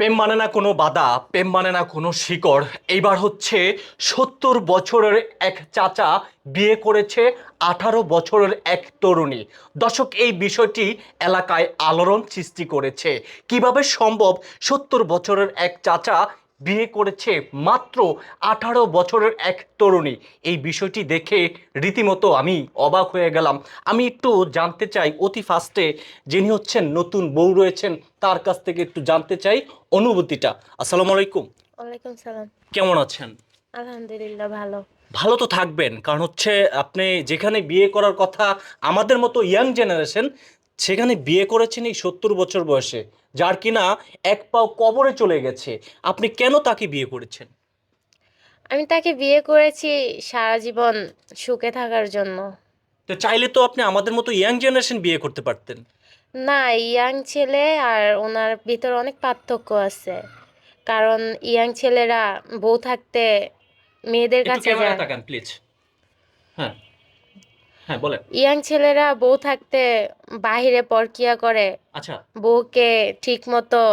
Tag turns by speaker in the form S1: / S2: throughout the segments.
S1: প্রেম মানে না কোনো বাধা, প্রেম মানে না কোনো শিকড়। এইবার হচ্ছে ৭০ বছরের এক চাচা বিয়ে করেছে ১৮ বছরের এক তরুণী। দর্শক, এই বিষয়টি এলাকায় আলোড়ন সৃষ্টি করেছে। কিভাবে সম্ভব ৭০ বছরের এক চাচা বিয়ে করেছে মাত্র ১৮ বছরের এক তরুণী? এই বিষয়টি দেখে রীতিমতো আমি অবাক হয়ে গেলাম। আমি একটু জানতে চাই অতি ফার্স্টে যিনি হচ্ছেন নতুন বউ রয়েছেন তার কাছ থেকে একটু জানতে চাই অনুভূতিটা। আসসালামু আলাইকুম।
S2: ওয়ালাইকুম সালাম।
S1: কেমন আছেন?
S2: আলহামদুলিল্লাহ ভালো।
S1: ভালো তো থাকবেন, কারণ হচ্ছে আপনি যেখানে বিয়ে করার কথা আমাদের মতো ইয়াং জেনারেশন, সেখানে বিয়ে করেছেন এই ৭০ বছর বয়সে, যার কিনা এক পাও কবরে চলে গেছে। আপনি কেন তাকে বিয়ে করেছেন?
S2: আমি তাকে বিয়ে করেছি সারা জীবন সুখে থাকার জন্য।
S1: তো চাইলে তো আপনি আমাদের মতো ইয়াং জেনারেশন বিয়ে করতে পারতেন।
S2: না, ইয়াং ছেলে আর ওনার ভিতর অনেক পার্থক্য আছে। কারণ ইয়াং ছেলেরা বউ থাকতে মেয়েদের
S1: একটু
S2: কাছে
S1: ক্যামেরা
S2: যায়।
S1: তাকান প্লিজ। হ্যাঁ, হ্যাঁ বলেন।
S2: ইয়াং ছেলেরা বউ থাকতে বাহিরে পরকিয়া করে,
S1: আচ্ছা,
S2: বউকে ঠিক মতো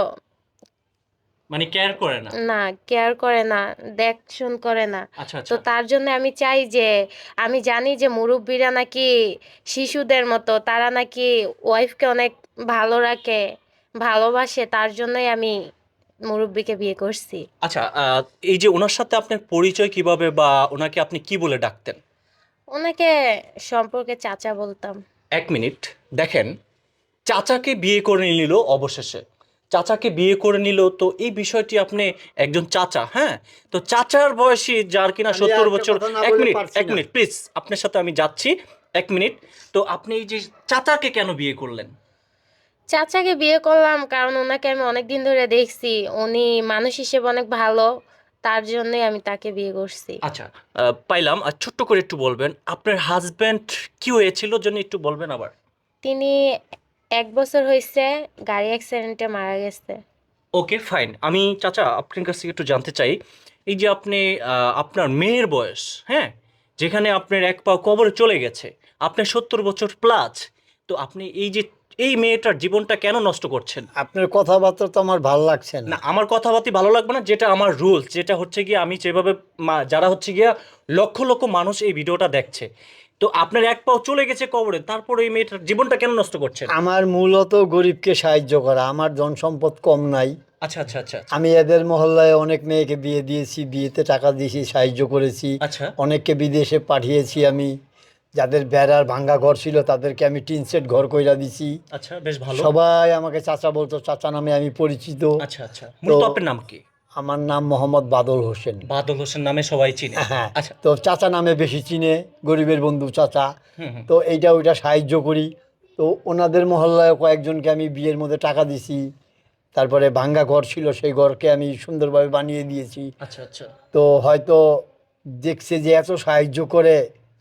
S1: মানে কেয়ার করে না।
S2: না কেয়ার করে না, দেখশন করে না।
S1: আচ্ছা
S2: তো
S1: আচ্ছা।
S2: তার জন্য আমি চাই যে, আমি জানি যে মুরব্বীরা নাকি শিশুদের মতো, তারা নাকি ওয়াইফকে অনেক ভালো রাখে, ভালোবাসে। তার জন্যই আমি মুরব্বীকে বিয়ে করছি।
S1: আচ্ছা, এই যে ওনার সাথে আপনার পরিচয় কিভাবে, বা ওনাকে আপনি কি বলে ডাকতেন?
S2: ওনাকে সম্পর্কে চাচা বলতাম।
S1: ১ মিনিট, দেখেন, চাচাকে বিয়ে করে নিল অবশেষে। চাচাকে বিয়ে করে নিল, তো এই বিষয়টি আপনি একজন চাচা, হ্যাঁ, তো চাচার বয়সী যার কিনা
S3: আমি আর
S1: ৭০
S3: একটা
S1: বছর।
S3: কথা না
S1: এক
S3: বলে
S1: মিনিট,
S3: পারছি
S1: এক
S3: না।
S1: মিনিট প্লিজ, আপনার সাথে আমি যাচ্ছি। ১ মিনিট। তো আপনি এই যে চাচাকে কেন বিয়ে করলেন?
S2: চাচাকে বিয়ে করলাম কারণ ওনাকে আমি অনেক দিন ধরে দেখছি, উনি মানুষ হিসেবে অনেক ভালো। তার জন্যই আমি তাকে বিয়ে করছি।
S1: আচ্ছা, পাইলাম। আর ছোট্ট করে একটু বলবেন আপনার হাজব্যান্ড কি হয়েছিল, জন্য একটু বলবেন আবার।
S2: তিনি 1 বছর হয়েছে গাড়ি অ্যাক্সিডেন্টে মারা গেছে।
S1: Okay fine. আমি চাচা আপনার কাছ থেকে একটু জানতে চাই, এই যে আপনি আপনার মেয়ের বয়স, হ্যাঁ, যেখানে আপনার এক পা কবরে চলে গেছে, আপনার ৭০ বছর প্লাস, তো আপনি এই যে এই মেয়েটার জীবনটা কেন নষ্ট করছেন?
S3: আপনার কথাবার্তা তো আমার ভাল লাগছে
S1: না,
S3: না।
S1: আমার কথাবার্তা ভালো লাগবে না, যেটা আমার রুলস, যেটা হচ্ছে গিয়ে আমি যেভাবে যারা হচ্ছে গিয়া লক্ষ লক্ষ মানুষ এই ভিডিওটা দেখছে, তো আপনার এক পাও চলে গেছে কবরে, তারপরে এই মেয়েটার জীবনটা কেন নষ্ট করছেন?
S3: আমার মূলত গরিবকে সাহায্য করা, আমার ধন সম্পদ কম নাই।
S1: আচ্ছা আচ্ছা আচ্ছা আচ্ছা।
S3: আমি এদের মহল্লায় অনেক মেয়েকে বিয়ে দিয়েছি, বিয়েতে টাকা দিয়েছি, সাহায্য করেছি।
S1: আচ্ছা
S3: অনেককে বিদেশে পাঠিয়েছি আমি। যাদের বেড়ার ভাঙ্গা ঘর ছিল তাদেরকে আমি টিন সেট ঘর কইরা দিছি।
S1: আচ্ছা, বেশ ভালো।
S3: সবাই আমাকে চাচা বলতো, চাচা নামে আমি পরিচিত।
S1: আচ্ছা আচ্ছা,
S3: তো
S1: মূলত আপনার নাম কি?
S3: আমার নাম মোহাম্মদ বাদল হোসেন।
S1: বাদল হোসেন নামে সবাই চিনে।
S3: হ্যাঁ,
S1: আচ্ছা।
S3: তো চাচা নামে বেশি চিনে, গরিবের বন্ধু চাচা।
S1: হুম হুম।
S3: তো এইটা ওইটা সাহায্য করি। তো ওনাদের মহল্লায় কয়েকজনকে আমি বিয়ের মধ্যে টাকা দিছি। তারপরে ভাঙ্গা ঘর ছিল, সেই ঘরকে আমি সুন্দরভাবে বানিয়ে দিয়েছি।
S1: আচ্ছা আচ্ছা।
S3: তো হয়তো দেখছে যে এত সাহায্য করে,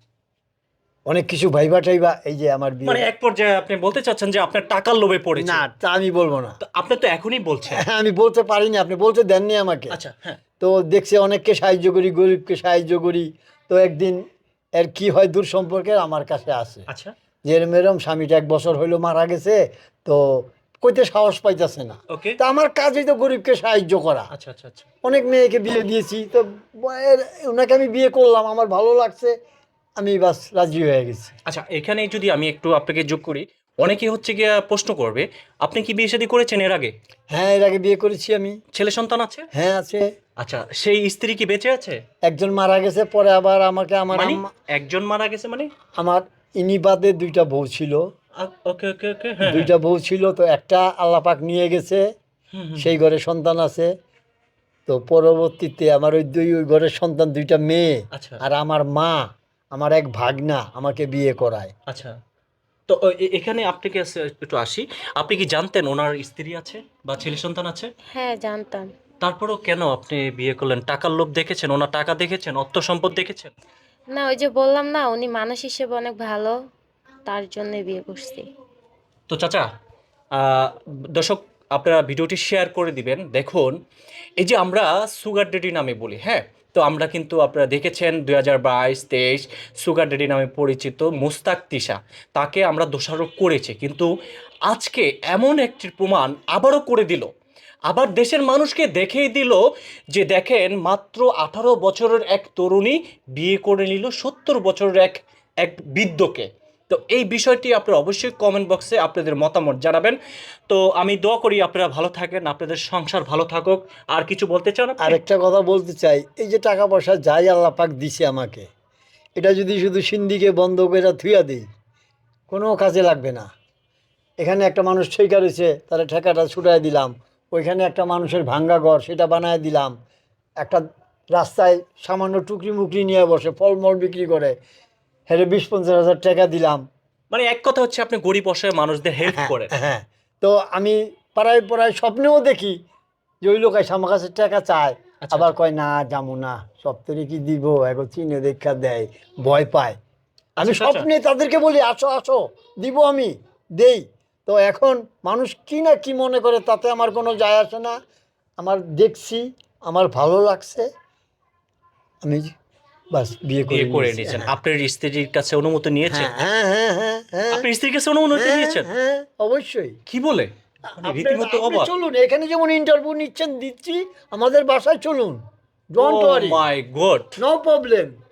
S3: অনেক কিছু ভাইবা টাইবা, এই যে আমার বিয়ে।
S1: মানে এক পর্যায়ে আপনি বলতে চাচ্ছেন যে আপনার টাকার লোভে পড়েছে?
S3: না, তা আমি বলবো না।
S1: তো আপনি তো এখনই বলছেন।
S3: হ্যাঁ, আমি বলতে পারিনি, আপনি বলতে দেননি আমাকে।
S1: আচ্ছা, হ্যাঁ।
S3: তো দেখছে অনেককে সাহায্য করি, গরিবকে সাহায্য করি। তো একদিন এর কি হয়, দূর সম্পর্কের আমার কাছে আসে
S1: আচ্ছা।
S3: যে এরম এরম স্বামীটা 1 বছর হইলো মারা গেছে, তো কইতে সাহস পাইতেছে না।
S1: ওকে।
S3: তা আমার কাজই তো গরিবকে সাহায্য করা।
S1: আচ্ছা আচ্ছা আচ্ছা।
S3: অনেক মেয়েকে বিয়ে দিয়েছি, তো ওনাকে আমি বিয়ে করলাম, আমার ভালো লাগছে, আমি বাস রাজি হয়ে গেছি।
S1: আচ্ছা, এখানে যদি আমি একটু আপনাকে যোগ করি, অনেকে হচ্ছে গিয়া প্রশ্ন করবে, আপনি কি বিয়ে শাদী করেছেন এর আগে?
S3: হ্যাঁ, এর আগে বিয়ে করেছি আমি।
S1: ছেলে সন্তান আছে?
S3: হ্যাঁ, আছে।
S1: আচ্ছা, সেই স্ত্রী কি বেঁচে আছে?
S3: একজন মারা গেছে, পরে আবার আমাকে আমার
S1: মানে
S3: আম্মা,
S1: একজন মারা গেছে মানে?
S3: আমার ইনি বাদে 2টা বউ ছিল।
S1: ওকে ওকে ওকে, হ্যাঁ হ্যাঁ।
S3: 2টা বউ ছিল, তো একটা আল্লাহ পাক নিয়ে গেছে,
S1: হুম হুম।
S3: সেই ঘরে সন্তান আছে। তো পরবর্তীতে আমার ওই ঘরের সন্তান 2টা মেয়ে।
S1: আচ্ছা
S3: আর আমার মা, আমার এক ভাগনা আমাকে বিয়ে করায়।
S1: আচ্ছা। তো এখানে আপনাকে একটু আসি, আপনি কি জানতেন ওনার স্ত্রী আছে বা ছেলে সন্তান আছে?
S2: হ্যাঁ, জানতাম।
S1: তারপরেও কেন আপনি বিয়ে করলেন? টাকার লোভ দেখেছেন, ওনার টাকা দেখেছেন, অর্থ সম্পদ দেখেছেন?
S2: না, ওই যে বললাম না, উনি মানুষ হিসেবে অনেক ভালো। তার জন্যই বিয়ে করছি।
S1: তো চাচা, আহ, দর্শক, আপনারা ভিডিওটি শেয়ার করে দিবেন। দেখুন, এই যে আমরা সুগার ডেডি নামে বলি, হ্যাঁ, তো আমরা কিন্তু আপনারা দেখেছেন 2022-23 সুগার ডেডি নামে পরিচিত মুস্তাক তিশা, তাকে আমরা দোষারোপ করেছি, কিন্তু আজকে এমন একটি প্রমাণ আবারও করে দিল। আবার দেশের মানুষকে দেখিয়ে দিল যে দেখেন মাত্র 18 বছরের এক তরুণী বিয়ে করে নিল 70 বছরের এক এক বৃদ্ধকে। তো এই বিষয়টি আপনারা অবশ্যই কমেন্ট বক্সে আপনাদের মতামত জানাবেন। তো আমি দোয়া করি আপনারা ভালো থাকেন, আপনাদের সংসার ভালো থাকুক। আর কিছু বলতে চান আপনি?
S3: আরেকটা কথা বলতে চাই, এই যে টাকা পয়সা যাই আল্লাহ পাক দিছে আমাকে, এটা যদি শুধু সিন্দিকে বন্ধ করে থুইয়া দিই, কোনো কাজে লাগবে না। এখানে একটা মানুষ ঠেকা রয়েছে, তার ঠেকাটা ছুটাই দিলাম। ওইখানে একটা মানুষের ভাঙ্গা ঘর, সেটা বানায় দিলাম। একটা রাস্তায় সামান্য টুকরি মুকরি নিয়ে বসে ফলমল বিক্রি করে, হেরে 20-50 হাজার টাকা দিলাম।
S1: মানে এক কথা হচ্ছে আপনি গরিব অসহায় মানুষদের হেল্প করেন।
S3: হ্যাঁ, তো আমি পাড়ায় পাড়ায় স্বপ্নেও দেখি যে ওই লোক এসে আমার কাছে টাকা চায়,
S1: আচ্ছা,
S3: আবার
S1: আচ্ছা।
S3: কয় না যাবো না, সপ্তাহে কি দিব, এখন চিনে দেখা দেয়, ভয় পায়। আমি
S1: আচ্ছা, আচ্ছা।
S3: স্বপ্নে তাদেরকে বলি আসো আসো, দিব, আমি দেই। তো এখন মানুষ কি না কি মনে করে তাতে আমার কোনো যায় আসে না। আমার দেখছি, আমার ভালো লাগছে, আমি বাস বিয়ে করে
S1: বিয়ে করে
S3: নিয়েছি।
S1: নিয়েছেন,
S3: হ্যাঁ
S1: আপনার স্ত্রীর কাছে অনুমতি নিয়েছেন?
S3: হ্যাঁ হ্যাঁ হ্যাঁ হ্যাঁ
S1: আপনার স্ত্রীর কাছে অনুমতি
S3: হ্যাঁ
S1: নিয়েছেন?
S3: হ্যাঁ, অবশ্যই।
S1: কি বলে? মানে
S3: আপনি
S1: রীতিমতো
S3: আপনি
S1: অবাক।
S3: চলুন, এখানে যেমন ইন্টারভিউ নিচ্ছেন দিচ্ছি, আমাদের বাসায় চলুন,
S1: ও
S3: don't worry,
S1: my god.
S3: No problem.